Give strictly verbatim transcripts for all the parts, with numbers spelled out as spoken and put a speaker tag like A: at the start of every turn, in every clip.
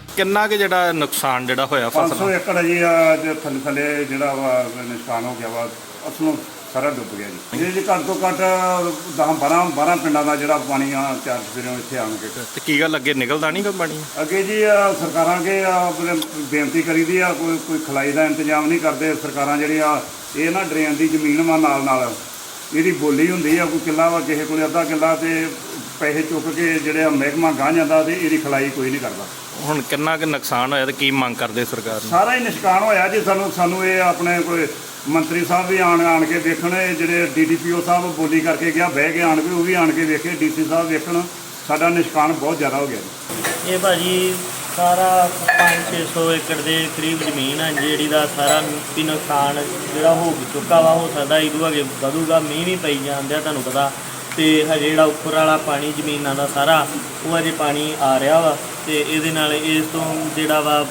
A: ਕਿੰਨਾ ਕੁ ਜਿਹੜਾ ਨੁਕਸਾਨ ਜਿਹੜਾ ਹੋਇਆ
B: ਪੰਜ ਸੌ
A: ਫਸਲ
B: ਏਕੜ ਜੀ ਆ ਜੇ ਥੱਲੇ ਥੱਲੇ ਜਿਹੜਾ ਵਾ ਨੁਕਸਾਨ ਹੋ ਗਿਆ ਵਾ ਅਸਲੋਂ ਸਾਰਾ ਡੁੱਬ ਗਿਆ ਜੀ। ਇਹ ਜੀ ਘੱਟ ਤੋਂ ਘੱਟ ਦਸ ਬਾਰਾਂ ਬਾਰਾਂ ਪਿੰਡਾਂ ਦਾ ਜਿਹੜਾ ਪਾਣੀ ਆ ਚਾਰ ਸਵੇਰੇ ਇੱਥੇ ਆਣ ਕੇ
A: ਤੇ ਕੀ ਗੱਲ ਅੱਗੇ ਨਿਕਲਦਾ ਨਹੀਂ ਗਾ ਪਾਣੀ?
B: ਅੱਗੇ ਜੀ ਆ ਸਰਕਾਰਾਂ ਅੱਗੇ ਆ ਆਪਣੇ ਬੇਨਤੀ ਕਰੀਦੀ ਆ ਕੋਈ ਕੋਈ ਖਲਾਈ ਦਾ ਇੰਤਜ਼ਾਮ ਨਹੀਂ ਕਰਦੇ ਸਰਕਾਰਾਂ ਜਿਹੜੀਆਂ ਇਹ ਨਾ ਡਰੇਨ ਦੀ ਜ਼ਮੀਨ ਵਾ ਨਾਲ ਨਾਲ ਇਹਦੀ ਬੋਲੀ ਹੁੰਦੀ ਆ ਕੋਈ ਕਿੱਲਾ ਵਾ ਕਿਸੇ ਕੋਲ ਅੱਧਾ ਕਿੱਲਾ ਤੇ ਪੈਸੇ ਚੁੱਕ ਕੇ ਜਿਹੜੇ ਮਹਿਕਮਾ ਗਾਹ ਜਾਂਦਾ ਤੇ ਇਹਦੀ ਖਲਾਈ ਕੋਈ ਨਹੀਂ ਕਰਦਾ।
A: ਹੁਣ ਕਿੰਨਾ ਕੁ ਨੁਕਸਾਨ ਹੋਇਆ ਤੇ ਕੀ ਮੰਗ ਕਰਦੇ ਸਰਕਾਰ ਨੂੰ?
B: ਸਾਰਾ ਹੀ ਨਿਸ਼ਕਾਨ ਹੋਇਆ ਜੀ। ਸਾਨੂੰ ਸਾਨੂੰ ਇਹ ਆਪਣੇ ਕੋਈ ਮੰਤਰੀ ਸਾਹਿਬ ਵੀ ਆਣ ਆਣ ਕੇ ਦੇਖਣ, ਜਿਹੜੇ ਡੀ ਡੀ ਪੀ ਓ ਸਾਹਿਬ ਬੋਲੀ ਕਰਕੇ ਗਿਆ ਬਹਿ ਕੇ ਆਣ ਕੇ ਉਹ ਵੀ ਆਣ ਕੇ ਵੇਖੇ, ਡੀ ਸੀ ਸਾਹਿਬ ਵੇਖਣ। ਸਾਡਾ ਨਿਸ਼ਕਾਨ ਬਹੁਤ ਜ਼ਿਆਦਾ ਹੋ ਗਿਆ ਜੀ।
C: ਇਹ ਭਾਜੀ ਸਾਰਾ ਪੰਜ ਛੇ ਸੌ ਏਕੜ ਦੇ ਕਰੀਬ ਜ਼ਮੀਨ ਹੈ ਜਿਹੜੀ ਦਾ ਸਾਰਾ ਵੀ ਨੁਕਸਾਨ ਜਿਹੜਾ ਹੋ ਚੁੱਕਾ ਵਾ। ਹੋ ਸਕਦਾ ਇਹਦੂ ਅੱਗੇ ਵਧੂਗਾ, ਮੀਂਹ ਵੀ ਪਈ ਜਾਂਦੇ ਆ ਤੁਹਾਨੂੰ ਪਤਾ। ਤੇ ਹਜੇ ਜਿਹੜਾ ਉੱਪਰ ਵਾਲਾ ਪਾਣੀ ਜ਼ਮੀਨਾਂ ਦਾ ਸਾਰਾ ਉਹ ਅਜੇ ਪਾਣੀ ਆ ਰਿਹਾ ਵਾ ਤੇ ਇਹਦੇ ਨਾਲ ਇਸ ਤੋਂ ਜਿਹੜਾ ਵਾ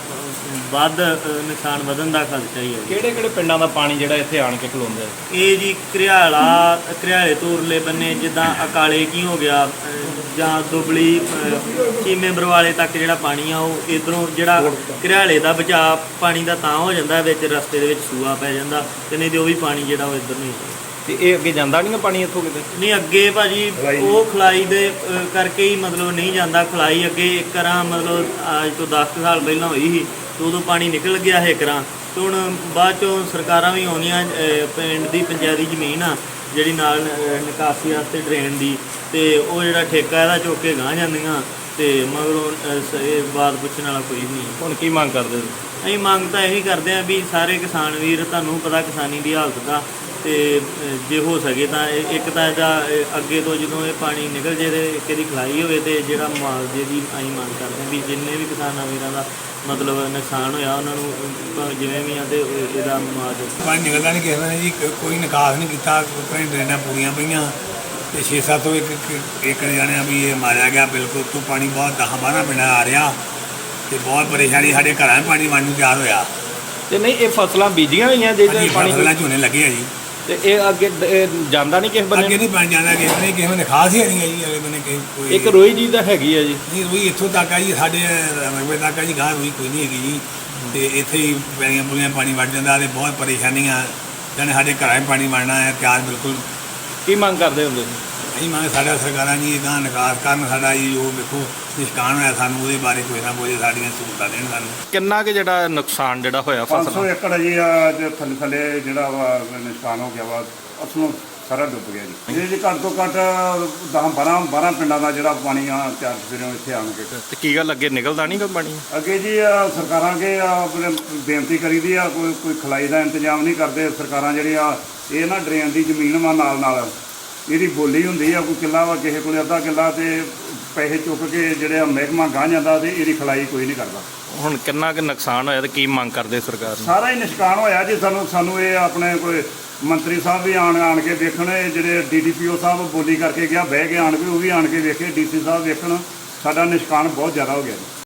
C: ਵੱਧ ਨੁਕਸਾਨ ਵਧਣ ਦਾ ਖਦਸ਼ਾ ਹੀ ਹੈ।
A: ਕਿਹੜੇ ਕਿਹੜੇ ਪਿੰਡਾਂ ਦਾ ਪਾਣੀ ਜਿਹੜਾ ਇੱਥੇ ਆਣ ਕੇ ਖਲੋਂਦਾ?
C: ਇਹ ਜੀ ਘਰਿਆਲਾ ਘਰਿਆਲੇ ਤੋਂ ਉਰਲੇ ਬੰਨੇ ਜਿੱਦਾਂ ਅਕਾਲੇ ਕੀ ਹੋ ਗਿਆ ਜਾਂ ਦੁਬਲੀ ਚੀਮੇ ਬਰਵਾਲੇ ਤੱਕ ਜਿਹੜਾ ਪਾਣੀ ਆ ਉਹ ਇੱਧਰੋਂ ਜਿਹੜਾ ਘਰਿਆਲੇ ਦਾ ਬਚਾਅ ਪਾਣੀ ਦਾ ਤਾਂ ਹੋ ਜਾਂਦਾ ਵਿੱਚ ਰਸਤੇ ਦੇ ਵਿੱਚ ਸੂਆ ਪੈ ਜਾਂਦਾ ਤੇ ਨਹੀਂ ਤੇ ਉਹ ਵੀ ਪਾਣੀ ਜਿਹੜਾ ਉਹ ਇੱਧਰ ਨਹੀਂ ਜਾਂਦਾ।
A: ਤੇ ਇਹ ਅੱਗੇ ਜਾਂਦਾ ਨਹੀਂ ਪਾਣੀ ਇੱਥੋਂ ਕਿਤੇ?
C: ਨਹੀਂ ਅੱਗੇ ਭਾਜੀ ਉਹ ਖਲਾਈ ਦੇ ਕਰਕੇ ਹੀ ਮਤਲਬ ਨਹੀਂ ਜਾਂਦਾ। ਖਲਾਈ ਅੱਗੇ ਇੱਕ ਰਾਂ ਮਤਲਬ ਅੱਜ ਤੋਂ ਦਸ ਕੁ ਸਾਲ ਪਹਿਲਾਂ ਹੋਈ ਸੀ ਤੇ ਉਦੋਂ ਪਾਣੀ ਨਿਕਲ ਗਿਆ ਹੈ ਕਰਾਂ ਤੇ ਹੁਣ ਬਾਅਦ ਚੋਂ ਸਰਕਾਰਾਂ ਵੀ ਆਉਂਦੀਆਂ ਪਿੰਡ ਦੀ ਪੰਚਾਇਤੀ ਜ਼ਮੀਨ ਆ ਜਿਹੜੀ ਨਾਲ ਨਿਕਾਸੀ ਵਾਸਤੇ ਡਰੇਨ ਦੀ ਤੇ ਉਹ ਜਿਹੜਾ ਠੇਕਾ ਇਹਦਾ ਚੁੱਕ ਕੇ ਗਾਹ ਜਾਂਦੀਆਂ ਤੇ ਮਗਰੋਂ ਇਹ ਬਾਤ ਪੁੱਛਣ ਵਾਲਾ ਕੋਈ ਨਹੀਂ।
A: ਹੁਣ ਕੀ ਮੰਗ ਕਰਦੇ?
C: ਅਸੀਂ ਮੰਗ ਤਾਂ ਇਹੀ ਕਰਦੇ ਹਾਂ ਵੀ ਸਾਰੇ ਕਿਸਾਨ ਵੀਰ, ਤੁਹਾਨੂੰ ਪਤਾ ਕਿਸਾਨੀ ਦੀ ਹਾਲਤ ਦਾ, ਤੇ ਜੇ ਹੋ ਸਕੇ ਤਾਂ ਇੱਕ ਤਾਂ ਇਹਦਾ ਅੱਗੇ ਤੋਂ ਜਦੋਂ ਇਹ ਪਾਣੀ ਨਿਕਲ ਜੇ ਤੇ ਇੱਕ ਇਹਦੀ ਖਲਾਈ ਹੋਵੇ ਤੇ ਜਿਹੜਾ ਮੁਆਵਜ਼ੇ ਦੀ ਅਸੀਂ ਮੰਗ ਕਰਦੇ ਹਾਂ ਵੀ ਜਿੰਨੇ ਵੀ ਕਿਸਾਨਾਂ ਵੀਰਾਂ ਦਾ ਮਤਲਬ ਨੁਕਸਾਨ ਹੋਇਆ ਉਹਨਾਂ ਨੂੰ ਜਿਵੇਂ ਵੀ ਆ ਤੇ ਇਹਦਾ ਮੁਆਵਜ਼ਾ।
D: ਪਾਣੀ ਨਿਕਲਦਾ ਨਹੀਂ ਕਿਸੇ ਨੇ ਜੀ, ਕੋਈ ਨਿਕਾਸ ਨਹੀਂ ਕੀਤਾ, ਕੋਈ ਡਰੇਨਾਂ ਪੂਰੀਆਂ ਪਈਆਂ ਤੇ ਛੇ ਸੱਤ ਤੋਂ ਇੱਕ ਇੱਕ ਜਾਣਿਆ ਵੀ ਇਹ ਮਾਰਿਆ ਗਿਆ। ਬਿਲਕੁਲ ਤੋਂ ਪਾਣੀ ਬਹੁਤ ਦਸਾਂ ਬਾਰਾਂ ਪਿੰਡਾਂ ਆ ਰਿਹਾ ਤੇ ਬਹੁਤ ਪਰੇਸ਼ਾਨੀ ਸਾਡੇ ਘਰਾਂ 'ਚ ਪਾਣੀ ਵੰਡ ਨੂੰ ਤਿਆਰ ਹੋਇਆ।
A: ਤੇ ਨਹੀਂ ਇਹ ਫਸਲਾਂ ਬੀਜੀਆਂ ਹੋਈਆਂ ਜਿਹੜੇ ਪਾਣੀ
D: ਫਸਲਾਂ ਝੋਨੇ ਲੱਗੇ ਆ ਜੀ
A: ਤੇ ਇਹ ਅੱਗੇ ਇਹ ਜਾਂਦਾ ਨਹੀਂ ਕਿਸੇ ਬੰਨੇ?
D: ਅੱਗੇ ਨਹੀਂ ਪਾਣੀ ਜਾਂਦਾ ਕਿਸੇ ਨੇ, ਕਿਸੇ ਨੇ ਖਾਸ ਹੀ ਨਹੀਂ ਹੈ ਜੀ। ਅਗਲੇ ਬੰਨੇ ਕਿਸੇ ਕੋਈ
A: ਇੱਕ ਰੋਈ ਜੀ ਤਾਂ ਹੈਗੀ ਆ ਜੀ।
D: ਨਹੀਂ ਰੋਈ ਇੱਥੋਂ ਤੱਕ ਆ ਜੀ, ਸਾਡੇ ਰਕਬੇ ਤੱਕ ਆ ਜੀ, ਗਾਂ ਰੋਈ ਕੋਈ ਨਹੀਂ ਹੈਗੀ ਜੀ। ਤੇ ਇੱਥੇ ਹੀ ਪੈਲੀਆਂ ਪੁਲੀਆਂ ਪਾਣੀ ਵੜ ਜਾਂਦਾ ਤੇ ਬਹੁਤ ਪਰੇਸ਼ਾਨੀਆਂ ਜਾਨੇ ਸਾਡੇ ਘਰਾਂ 'ਚ ਪਾਣੀ ਵੜਨਾ ਹੈ ਤਿਆਰ ਬਿਲਕੁਲ।
A: ਕੀ ਮੰਗ ਕਰਦੇ ਹੁੰਦੇ?
D: ਅਸੀਂ ਮੰਗ ਸਾਡਾ ਸਰਕਾਰਾਂ ਜੀ ਇੱਦਾਂ ਨਿਕਾਸ ਕਰਨ ਸਾਡਾ ਜੀ ਉਹ ਵੇਖੋ ਨਿਸ਼ਕਾਨ ਹੋਇਆ ਸਾਨੂੰ ਉਹਦੇ ਬਾਰੇ ਕੋਈ ਨਾ ਕੋਈ ਸਾਡੀਆਂ ਸਹੂਲਤਾਂ ਦੇਣ ਸਾਨੂੰ।
A: ਕਿੰਨਾ ਕੁ ਜਿਹੜਾ ਨੁਕਸਾਨ ਜਿਹੜਾ ਹੋਇਆ
B: ਪੰਜ ਸੌ
A: ਫਸਲ?
B: ਏਕੜ ਜੀ ਆ ਜੇ ਥੱਲੇ ਥੱਲੇ ਜਿਹੜਾ ਵਾ ਨੁਕਸਾਨ ਹੋ ਗਿਆ ਵਾ ਅਸਲੋਂ ਸਾਰਾ ਡੁੱਬ ਗਿਆ ਜੀ। ਇਹ ਜੀ ਘੱਟ ਤੋਂ ਘੱਟ ਦਸ ਬਾਰਾਂ ਬਾਰਾਂ ਪਿੰਡਾਂ ਦਾ ਜਿਹੜਾ ਪਾਣੀ ਆ ਚਾਰ ਸਵੇਰੇ ਇੱਥੇ ਆਣ ਕੇ
A: ਤੇ ਕੀ ਗੱਲ ਅੱਗੇ ਨਿਕਲਦਾ ਨਹੀਂ ਗਾ ਪਾਣੀ?
B: ਅੱਗੇ ਜੀ ਆ ਸਰਕਾਰਾਂ ਅੱਗੇ ਆ ਆਪਣੇ ਬੇਨਤੀ ਕਰੀਦੀ ਆ ਕੋਈ ਕੋਈ ਖਲਾਈ ਦਾ ਇੰਤਜ਼ਾਮ ਨਹੀਂ ਕਰਦੇ ਸਰਕਾਰਾਂ ਜਿਹੜੀਆਂ ਇਹ ਨਾ ਡਰੇਨ ਦੀ ਜ਼ਮੀਨ ਵਾ ਨਾਲ ਨਾਲ ਇਹਦੀ ਬੋਲੀ ਹੁੰਦੀ ਆ ਕੋਈ ਕਿੱਲਾ ਵਾ ਕਿਸੇ ਕੋਲ ਅੱਧਾ ਕਿੱਲਾ ਤੇ ਪੈਸੇ ਚੁੱਕ ਕੇ ਜਿਹੜੇ ਮਹਿਕਮਾ ਗਾਹ ਜਾਂਦਾ ਤੇ ਇਹਦੀ ਖਲਾਈ ਕੋਈ ਨਹੀਂ ਕਰਦਾ।
A: ਹੁਣ ਕਿੰਨਾ ਕੁ ਨੁਕਸਾਨ ਹੋਇਆ ਤੇ ਕੀ ਮੰਗ ਕਰਦੇ ਸਰਕਾਰ ਨੂੰ?
B: ਸਾਰਾ ਹੀ ਨਿਸ਼ਕਾਨ ਹੋਇਆ ਜੀ। ਸਾਨੂੰ ਸਾਨੂੰ ਇਹ ਆਪਣੇ ਕੋਈ ਮੰਤਰੀ ਸਾਹਿਬ ਵੀ ਆਣ ਆਣ ਕੇ ਦੇਖਣ, ਜਿਹੜੇ ਡੀ ਡੀ ਪੀ ਓ ਸਾਹਿਬ ਬੋਲੀ ਕਰਕੇ ਗਿਆ ਬਹਿ ਕੇ ਆਣ ਕੇ ਉਹ ਵੀ ਆਣ ਕੇ ਵੇਖੇ, ਡੀ ਸੀ ਸਾਹਿਬ ਵੇਖਣ। ਸਾਡਾ ਨਿਸ਼ਕਾਨ ਬਹੁਤ ਜ਼ਿਆਦਾ ਹੋ ਗਿਆ ਜੀ।